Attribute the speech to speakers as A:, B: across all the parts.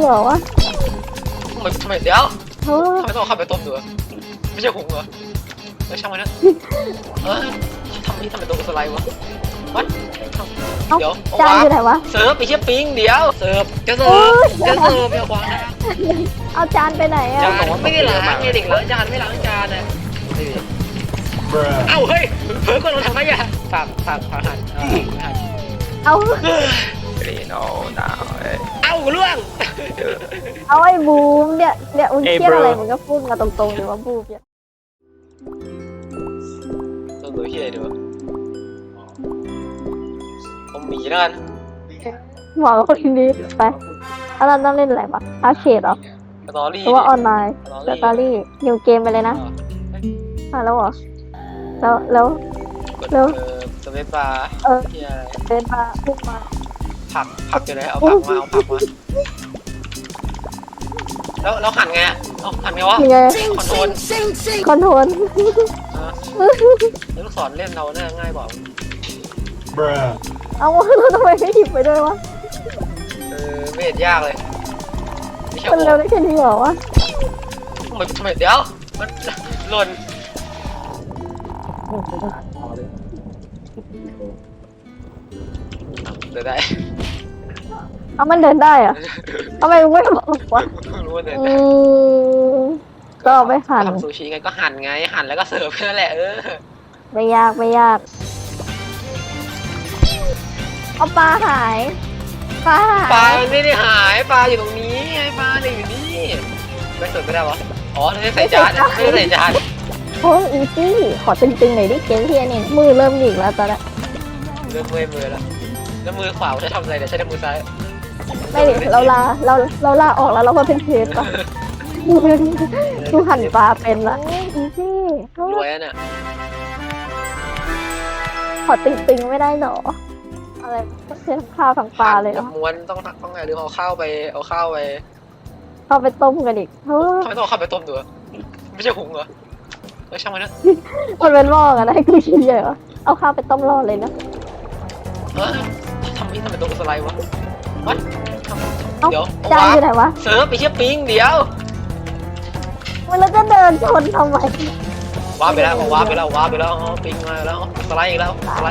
A: เหรอวะ
B: ทำไมเดี๋ยว
A: เฮ้ย
B: ทำไมต้องเอาข้าวไปต้มด้วยไม่ใช่หุงเหรอช่างมันนะเออทำไมต้องสไลด์วะวัดเดี๋ยว
A: จานอยู่ไหนวะ
B: เสิร์ฟไปเชี่ยปิ้งเดี๋ยวเสิร์ฟจะเสิร์ฟอย่าวางนะ
A: เอาจานไปไหนอะ
B: จานไม่ได้ล้างไงเด็กล้างจานไม่ล้างจานนะเอ้าเฮ้ยเผลอก่อนเราทำไมอะฝากหัน
A: เอา
C: โน่ดาว
B: เอ้าล่วง
A: เอาไอ้บูมเนี่ยมึงเครียดอะไรมึงก็พูดมาตรงๆหรือว่าบูมเนี่ย
B: ตัวตัวที่ไหนดีวะผมหมีแล้วกัน
A: หมอคนนี้ไปอันนั้นต้องเล่นอะไรวะอาร์เคดเหรอ
B: สตอรี่
A: หรือว่าออนไลน์สตอรี่นิวเกมไปเลยนะแล้วเหรอแล้ว
B: สเปซบาร์ที่อะไร
A: เดินมาพุ่งมา
B: ผักอยู่ไหนเอาผักมาแล้วหั่นไงหั่นไงวะ
A: ยังไง
B: คอนโทรล
A: คอนโทรล
B: ลูกศรเล่นเราเนี่ยง่ายกว่า
A: เอาแล้วทำไมไม่หยิบไปด้วยวะ
B: ไม่เห็นยากเลยไม่ใช่
A: มันเร็วได้แค่นี้เหรอวะ
B: ทำไมเดี๋ยวมันหล่นเดินได้
A: เอามันเดินได้อะทำไมมึงไม่บอกวะ
B: รู้ว่าเดิน
A: อื
B: ได้
A: มก็เอาไปหั่น
B: ทำซูชิไงก็หั่นไงหั่นแล้วก็เสิร์ฟแค่นั้นแหละ
A: ไม่ยากเอาปลาหายปลา
B: ไม่ได้หายปลาอยู่ตรงนี้ไงปลาเนี่ยอยู่นี่ไม่เสิร์ฟไม่ได้วะอ๋อไม่ได้ใส่จานไม่ได้ใส่จาน
A: โอ้อีซี่ขอตึงๆหน่อยดิเกมที่นี่มือเริ่มหงิกแล้วตอนนี้
B: เริ่มเมื่อยมือแล้วมือขวาใช้ทำอะไรเดี๋ยวใช้แต่มือซ้าย
A: ไม่ดิเราลาออกแล้วเรามาเป็นเชฟป่ะดูหั่นปลาเป็นละอีซี่
B: รวยอ่ะเนี่ย
A: ขอตึงๆไม่ได้หรออะไรเชฟข้าวทั้งปลาเลยเหรอ
B: ม้วนต้องไงหรือเอาข้าวไป
A: เข้าไปต้มกันอีกเฮ้ย
B: ทำไมต้องเอาข้าวไปต้มด้วยไม่ใช่หุงเหรอช่างมันนะ
A: มันเป็นหม้อกันให้กูกินเลยเหรอเอาข้าวไปต้มรอเลยนะ
B: ทำไมต้องสไลด์วะวัดเดี๋ยว
A: จานอยู่ไหนวะ
B: เสิร์ฟไปเชี่ยปิ้งเดี๋ยว
A: มันแล้วจะเดินชนทำไม
B: ว้าไปแล้วปิ้งมาแล้วสไลด์อีกแล้ว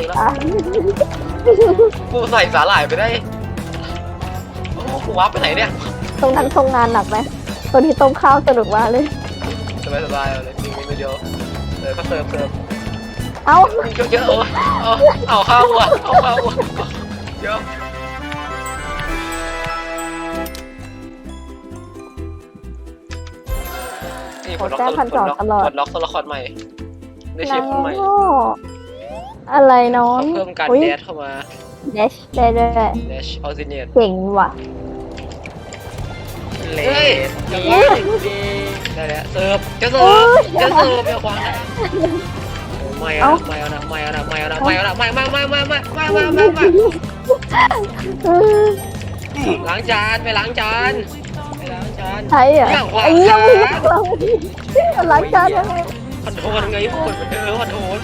B: กูใส่สาหร่ายไปได้กูว้าไปไหนเนี่ย
A: ตรงนั้นทรงงานหนักไหมตอนที่ต้มข้าวสนุกมากเลย
B: สบายเลยปิ้งไปเดียวก็เสิร์ฟ
A: เอ้า
B: เยอะเอาข้าวอ่ะเยอะนี่ปลดล็อกตัวละครใหม่ได้เชฟคนใหม่
A: อะไรน้อง
B: เพิ่มการแดชเข้ามา
A: เดชได้ด้วย
B: แดชออริจิเนีย
A: เก่งว่ะ
B: เลสได้แล้วเสิร์ฟจะเสิร์ฟไม่ควางไม่เอาล้างจานไปล้างจาน
A: ใช่เหรอไอ้ยังเราล้างจานยังไง
B: คอนโทรลไงพูดคอนโทรล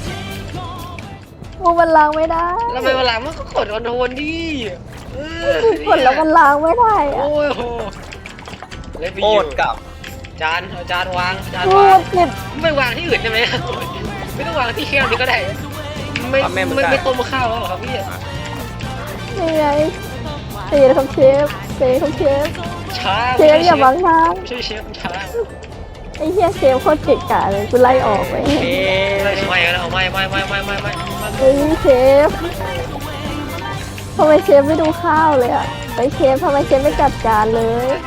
A: มูมันล้างไม่ได้
B: แล้วไปเวลามันก็กดคอนโทรลดิ
A: กดแล้วมันล้างไม่ได้อะ
B: โอ้ยเล่นไป
C: โค
B: อยู่
C: ตรกับ
B: จานวาง
A: พูดผิด
B: ไม่วางที่อื่นใช่ไหมไม่ต้องวางที่แคบนี่ก็ได้ไม่ต้มข้าวหรอครับพี่
A: นี่ไงเสียของเชฟ
B: ช้า
A: เชฟอย่าบังทาง
B: ไม่ใช่เชฟช้า
A: ไอ้เหี้ยเชฟโคตรเก่งกาเลยกูไล่ออกไป
B: ไม่แล้วไม่
A: เฮ้ยเชฟทำไมเชฟไม่ดูข้าวเลยอ่ะไอ้เชฟทำไมเชฟไม่จัดการเลย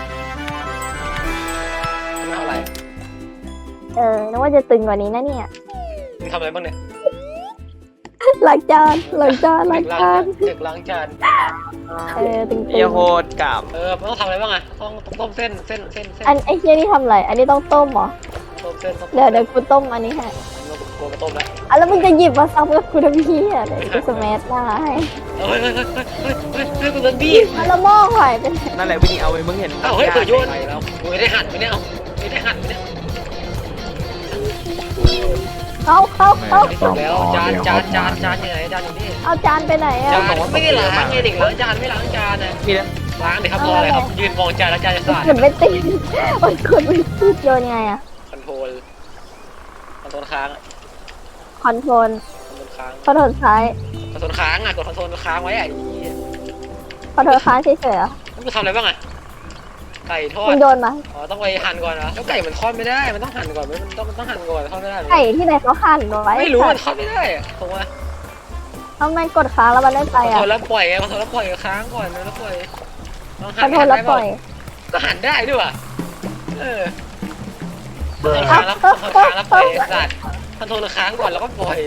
B: ไม่เท่าไหร่
A: นึกว่าจะตึงกว่านี้นะเนี่ย
B: มึงทำอะไรบ้างเนี่ย
A: ล้างจาน
B: เด็กล้างจาน
A: ตึง
C: เฮียโคตรกับ
B: มันต้องทำอะไรบ้างอ่ะต้องต้มเส้น
A: อันไอ้เชี่ยนี่ทำอะไรอันนี้ต้องต้มเหรอ
B: ต้มเส้น
A: เดี๋ยวกูต้มอันนี้ให้
B: กลัวมาต้มแล้ว
A: แล้วมึงจะหยิบมาซ้ำกับกูทำพี่อ่ะเดี๋ยวกูสแมัหน้าให้
B: เฮ้ยกูโดนบี้
A: แล้วหม้อหายไปไหน
C: นั่นแหละวิ่งเอาไปมึงเห็น
B: เฮ้ยเปิดโยนแล้วกูไม่ได้หั่นไปเนี่ยไม่ได้หั่นไปเนี่ย
A: เอา
B: แล้วจานอยู่ไหนจานอยู่นี่
A: เอาจานไปไหนอ่ะ
B: จานไม่ได้ล้างไงเด็กล้างจานไม่ล้างจานนะ
C: มีแล้ว
B: ล้างดิครับรออะไรครับยืนมองจานแล้วจานจะสะอาด
A: กดไม่ติดกดไม่ติดโยนไงอะ
B: คอนโทรลค้าง
A: คอนโทรล
B: คอนโทรลค้าง
A: คอนโทรลซ้าย
B: คอนโทรลค้างอ่ะกดคอนโทรลค้างไว้อ่ะ
A: คอนโทรลค้างเฉยๆเหรอ
B: แล้วกูทำอะไรบ้างอ่ะไก่ทอ
A: มึ
B: ด
A: งโยนมา
B: อ๋อต้องไปหั่นก่อนเหรอแล้วไก่มันทอดไม่ได้มันต้องหั่นก่อนมันต้องหั่นก่อนทอดไม่ได้
A: ไก่ที่ไหนเขาหั่นไว้
B: ไม่รู้มันทอดไม่ได้อะผมว่า
A: ทำไมกดค้างแล้วมันได้ไป
B: คอน
A: อ่ะ
B: โทรลแล้วปล่อยไงคอนโทรลแล้วปล่อยค้างก่อนแล้วปล่อยลอง
A: ค
B: หั่
A: อน นโทรลแล้วปล่อย
B: ก็หั่นได้ด้วยว่ะเออคอนโทรลค้างแล้วคอนโทรลค้างแล้วปล่อยสัตว์คอนโทรลค้างก่อนแล้วก็ปล่อย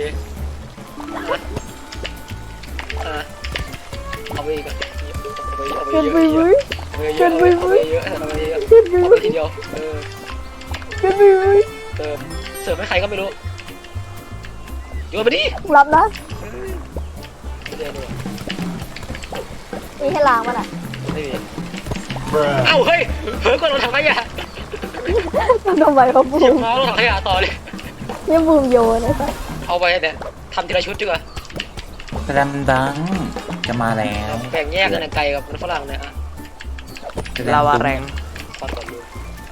B: เอาไปอีกอ่ะเอาไป
A: เกิน
B: เย
A: ไป
B: อะ
A: เว้ย
B: เอาไปเยอะเอาไปเยอะเอาไปเยอะ
A: เกินไป
B: เอา
A: เว้
B: ไป
A: ย
B: ทีเดียว
A: เกินไปเว้ย
B: เสิร์ฟให้ใครก็ไม่รู้โยนไปดิ
A: รับนะ
B: ไม่ได้เลย
A: มีให้ล้างมันอ่ะ
B: ไม่มีเอ้าเฮ้ยเฮ้ยก็เราทำไมอ่ะ
A: ทำไมเขาบู
B: หยิบ
A: ม
B: มาเราทำขยะต่อเลย
A: เนี่ยบูมโยนนะจ๊ะ
B: เอาไปเนี่ยทำทีละชุดดีกว่า
D: แสลมดังจะมาแล้ว
B: แบ่งแยกกันนะไก่กับมันฝรั่งเนี่ยอ่ะ
C: ลาวาแรง
B: ฟันก่อนดู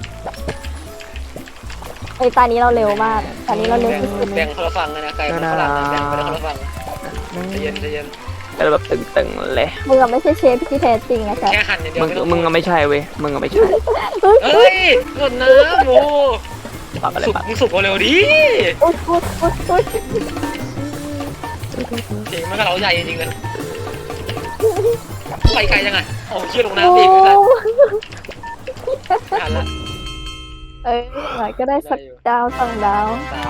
A: ไอ้ตานี้เราเร็วมากตานี้เราเร็วที่สุด
B: แบ่งคนละฝั่งกันนะไก่กับมันฝรั่งแบ่งไปคนละฝั่งใจเย็นใจเย็น
C: เป็นแบบตึงๆเลย
A: มึงอะไม่ใช่เชฟที่แท้จริงนะจ๊ะ
B: แค่หั่นอย่างเดียว
C: มึงก็ไม่ใช่เว้ยมึงก็ไม่ใช่
B: เฮ้ยกดน้ำโอ้
C: ปรับอะไร
B: สุก
C: ปรับ
B: มึงสุกเร็วดิ
A: อุ๊ยอุ๊ยอุ๊ยอุ๊ย
B: เก่งมันก็เราใหญ่จริงๆเลยไปไกลยังไงโอ้เชี่ยลงน้ำอีกเลยทันละ
A: เอ้ยหน่อยก็ได้สักดาวสองดาว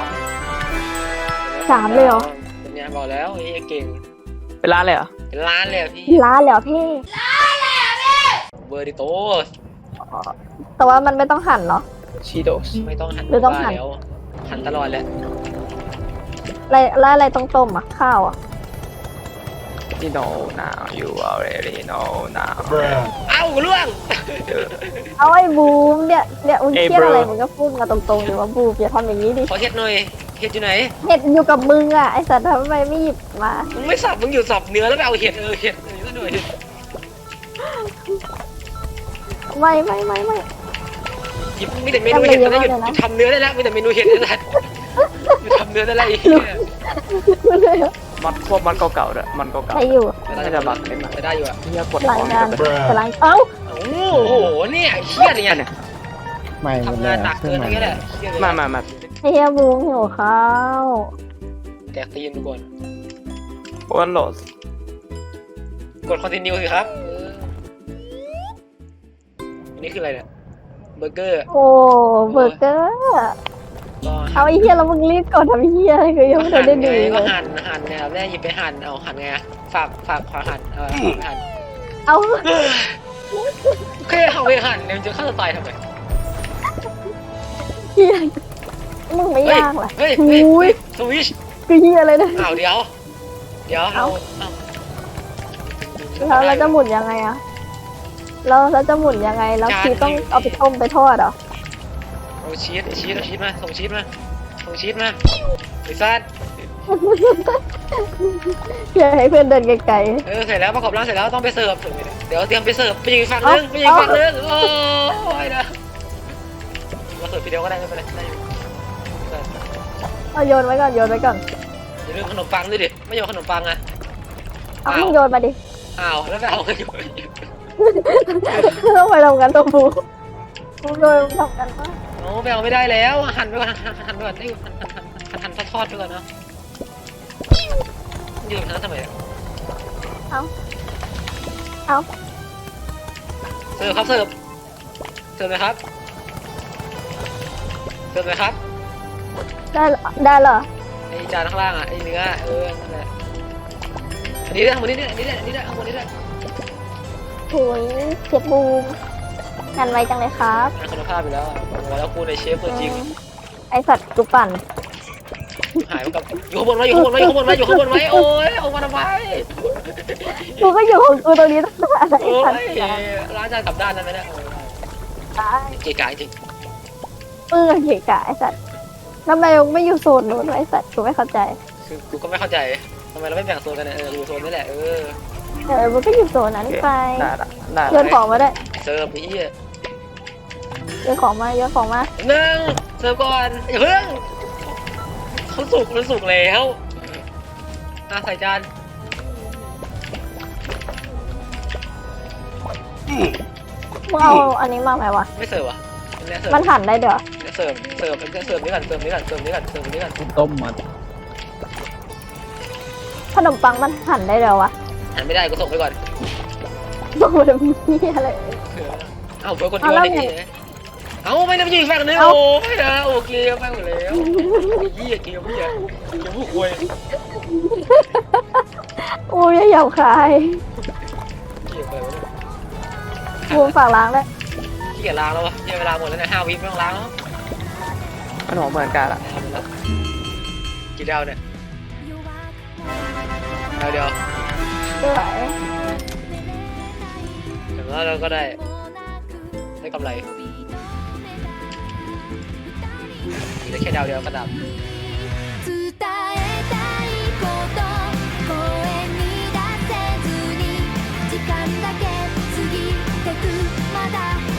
B: สาม
A: 3เลยเหรอ
B: เป็นไงบอกแล้วไอ้เก่ง
C: เป็นร้านเลยเหรอ
B: เป็นล้านเลยอะพี่
A: ล้าเหรอพี่
B: เบอร์ดิโตส
A: แต่ว่ามันไม่ต้องหั่นเนาะ
C: ชีโดส
B: ไม่ต้องหัน
A: หรือต้องหั่น
B: แล้วหันตลอดแหละ
A: อะไรแล้วอะไรต้องต้มอ่ะข้าวอ่ะ
C: you know now you already know now
B: เอ้าล่วง
A: เอาไอ้บูมเนี่ยมึง
C: เอ้ย
A: เครียด
C: bro
A: อะไรมึงก็พูดมาตรงๆดิว่าบูมอย่าทำอย่างนี้ดิ
B: ขอเฮ็ดหน่อยเฮ็ดอยู่ไหน
A: เห็ดอยู่กับมึงอ่ะไอสัตว์ทำไมไม่หยิบมา
B: มึงไม่สับมึงอยู่สับเนื้อแล้วไปเอาเห็ดเห็ดนี่ก็หน่อย
A: ไม่
B: หยิบมีแต่เมนูเห็ดตอนนี้หยุดทำเนื้อได้แล้วมีแต่เมนูเห็ดนี่แหละหยุดทำเนื้อได้แล้วไอ้เหี้ย
A: ไม่เลยอะ
C: มันพวกมันเก่าๆด้วยมันเก่า
A: ใช้อยู่
C: ๆน่าจะบักเป็นแบบ
B: จะได้อยู่อ่ะ
C: เฮียกด
A: หลัง
C: ของ
A: งาน
C: จะเป็น
A: กำลังเอ้า
B: โอ้โหเนี่ยไอ้เหี้ยเนี่ย
D: ไม่หมด
B: ทำ
D: แล้
B: งาน
D: ว
B: หนัก
D: เครื่
B: เกิ
D: อน งใหม่
B: นี่แหละเหี้ยเลย
C: มา
A: ไอ้เฮียบูมหิวข้าว
B: แตกตีนทุกคน
C: โอนโหลด
B: กดคอนติเนียสิครับอันนี้คืออะไรเนี่ยเบอร์เกอร์
A: โอ้เบอร์เกอร์
B: ก็
A: เอาไอ้เฮียแล้วมึงรีบก่อนทำไอ้เฮียอะไรคือยังไม่ทันได้ดูเล
B: ก็
A: ย
B: หั่นเนี่ยแม่หยิบไปหั่นเอาหั่นไงฝากขวาหั่นหั่น
A: เอา
B: โอเคเอาไปหั่นเนี่ยมันจะฆ่าตัวตายทำไม
A: เฮียมึงไม่ยากเหรอ
B: เฮ้ย
A: อุ้ย
B: สวิช
A: คือเฮียอะไรเนี่ย
B: อ้าวเดี๋ยวเอา
A: แล้วเราจะหมุนยังไงอะเราจะหมุนยังไงแล้วคือต้องเอาไปต้มไปทอดเหรอ
B: เอาชีสมาส่งชีสมาไอ้ซัด
A: เพื่อให้เพื่อนเดินไกล
B: เสร็จแล้วประกอบร่างเสร็จแล้วต้องไปเสิร์ฟเดี๋ยวเตรียมไปเสิร์ฟไปยิงฝั่งนึงโอ้ยนะมาเสิร์ฟทีเดียวก็ได้ไม่เป็นไรได้อยู่
A: ๆเอาโยนไว้ก่อนอย่า
B: ลืมขนมปังด้วยดิไม่โยนขนมปังอ่ะ
A: เอามึงโยนมาดิ
B: อ้าวแล้วไปเอากันอยู่
A: ต้องไปทำกันตัวบูมึงโยนทำกันปะ
B: โอ้ไปเอาไม่ได้แล้วหั่นไปก่อนหั่นไปก่อนได้หั่นทอดไปก่อนเนาะยืนทำไม
A: เอา
B: เสิร์ฟครับเสิร์ฟเลยครับ
A: ได้เหรอ
B: ไอจานข้างล่างอ่ะไอเนื้อนั่นแหละอันนี้ได้ข้างบนนี้ได้ข้างบนนี้ได้
A: โถุยเชฟบูมงานไวจังเลยครับ
B: งานคุณภาพอยู่แล้วบอกแล้วกูในเชฟตัวจริง
A: ไอสัตว์กูปั่น
B: หายไปกับอยู่ข้างบนไว้โอ้ยเอามาทำไม
A: กูก็อยู่ของกูตรงนี้ตั้งแต่ไอ
B: โอ้
A: สัตว์
B: ยร้านจานกลับด้านนั้นไหมเนี่ย
A: ตาย
B: เก๋ไก่จริง
A: เกะกะไอสัตว์ทำไมมึงไม่อยู่โซนนู้นวะไอสัตว์กูไม่เข้าใจ
B: คือกูก็ไม่เข้าใจทำไมเราไม่แบ่งโซนกันเนี่ยอยู่โซนนี่แหละ
A: มันก็อยู่โซนนั้นไป
C: ได้ละได้
A: โยนของมาได้
B: เสิร์ฟไอ้เหี้ย
A: โยนของมาโยนของมา
B: หนึ่งเสิร์ฟก่อนอย่าเพิ่งเขาสุกมันสุกแล้วใส่จาน
A: มึงเอาอันนี้มาไหมวะ
B: ไม่เสิร์ฟอ่ะเนี่ยเสิร์ฟ
A: มันหั่นได้เดี๋ยว
B: เสิร์ฟเสิร์ฟเสิร์ฟนี่ก่อนเสิร์ฟนี่ก่อนเสิร์ฟนี่ก่อนเสิร์ฟนี่ก่อน
D: ต้มมา
A: ขนมปังมันหั่นได้เดี๋ยววะ
B: หันไม่ได้กูส่งไปก่อน
A: โอ้โหจะมีอะไร
B: เอ้าเพื่อคนเดียวนี่เอ้าไม่ได้ไปอยู่อีกฝั่งนึงโอ้ไม่นะโอเคไปหมดแล้วเหี้ยเกมเหี้ยเกมผู้ควย
A: โอ้ยอย่าหยาบคาย
B: เหี้ยไปวะ
A: บูมฝากล้างด้วย
B: เหี้ยล้างแล้ววะเหี้ยเวลาหมดแล้วนะ5 วิไม่ต้องล้างแล้ว
C: ขนมเหมือนกันละ
B: กี่ดาวเนี่ยดาวเดียว
A: สวย
B: แต่ว่าเราก็ได้กำไรได้แค่ดาวเดียวก็ดับ
E: 伝えたいこと声に出せずに時間だけ過ぎてくまだ